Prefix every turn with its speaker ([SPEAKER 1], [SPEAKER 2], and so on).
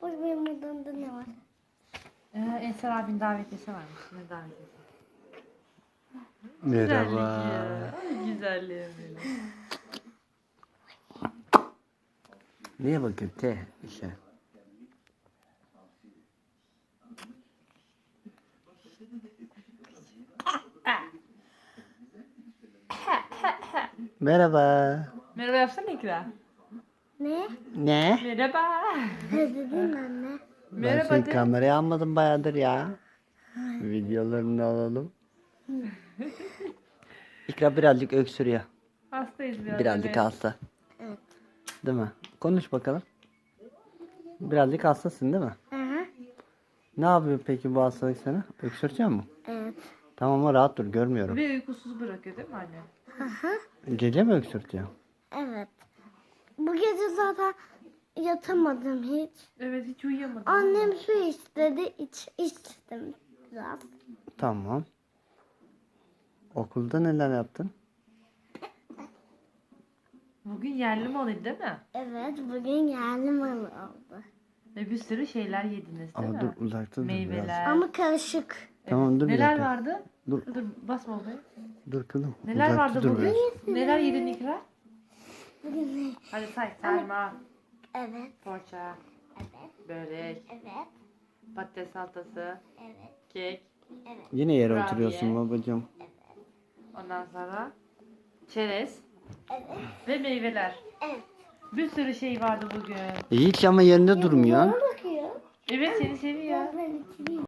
[SPEAKER 1] Bak benim odamda ne var?
[SPEAKER 2] Ensar abinin davetlisi varmış. Ne davetlisi?
[SPEAKER 3] Merhaba.
[SPEAKER 2] Ay güzelliğim benim.
[SPEAKER 3] Neye bakıyorsun? İşte. Merhaba.
[SPEAKER 2] Merhaba yapsana İkra.
[SPEAKER 1] Ne?
[SPEAKER 3] Ne?
[SPEAKER 2] Merhaba.
[SPEAKER 1] Ne dedin anne?
[SPEAKER 3] Ben
[SPEAKER 2] Merhaba
[SPEAKER 3] seni
[SPEAKER 2] de.
[SPEAKER 3] kameraya almadım bayağıdır ya. Videolarını alalım. İkra birazcık öksürüyor.
[SPEAKER 2] Hastayız biraz.
[SPEAKER 3] Birazcık
[SPEAKER 2] evet.
[SPEAKER 3] hasta.
[SPEAKER 1] Evet.
[SPEAKER 3] Değil mi? Konuş bakalım. Birazcık hastasın değil mi?
[SPEAKER 1] Aha.
[SPEAKER 3] Ne yapıyor peki bu hastalık sana? Öksürtüyor mu?
[SPEAKER 1] Evet.
[SPEAKER 3] Tamam ama rahat dur, görmüyorum.
[SPEAKER 2] Ve uykusuz bırakıyor değil mi anne?
[SPEAKER 1] Aha.
[SPEAKER 3] Gece mi öksürtüyor?
[SPEAKER 1] Evet. Bu gece zaten yatamadım hiç.
[SPEAKER 2] Evet hiç uyuyamadım.
[SPEAKER 1] Annem su istedi. İçtim biraz.
[SPEAKER 3] Tamam. Okulda neler yaptın?
[SPEAKER 2] Bugün yerli malıydı değil mi?
[SPEAKER 1] Evet, bugün yerli malı oldu.
[SPEAKER 2] Ve bir sürü şeyler yediniz değil
[SPEAKER 3] Ama
[SPEAKER 2] mi?
[SPEAKER 3] dur, uzakta dur biraz.
[SPEAKER 2] Meyveler.
[SPEAKER 1] Ama karışık.
[SPEAKER 2] Evet.
[SPEAKER 3] Tamam, dur bir
[SPEAKER 2] Neler
[SPEAKER 3] dakika.
[SPEAKER 2] vardı?
[SPEAKER 3] Dur.
[SPEAKER 2] Dur basma oraya.
[SPEAKER 3] Dur kızım.
[SPEAKER 2] Neler
[SPEAKER 3] Uzakta
[SPEAKER 2] vardı
[SPEAKER 3] dur
[SPEAKER 2] bugün?
[SPEAKER 3] biraz.
[SPEAKER 2] Neler yedin İkra?
[SPEAKER 1] Bugün ne?
[SPEAKER 2] Hadi say. Sarma,
[SPEAKER 1] Evet,
[SPEAKER 2] poğaça,
[SPEAKER 1] evet,
[SPEAKER 2] börek,
[SPEAKER 1] evet,
[SPEAKER 2] patates salatası,
[SPEAKER 1] evet,
[SPEAKER 2] kek.
[SPEAKER 1] evet.
[SPEAKER 3] Yine yere
[SPEAKER 2] Kurabiye.
[SPEAKER 3] oturuyorsun babacığım.
[SPEAKER 2] Ondan sonra çerez
[SPEAKER 1] Evet.
[SPEAKER 2] ve meyveler.
[SPEAKER 1] Evet.
[SPEAKER 2] Bir sürü şey vardı bugün.
[SPEAKER 3] Hiç ama yerinde durmuyor.
[SPEAKER 1] Bana bakıyor.
[SPEAKER 2] Evet seni seviyor.
[SPEAKER 1] Ben içeyim.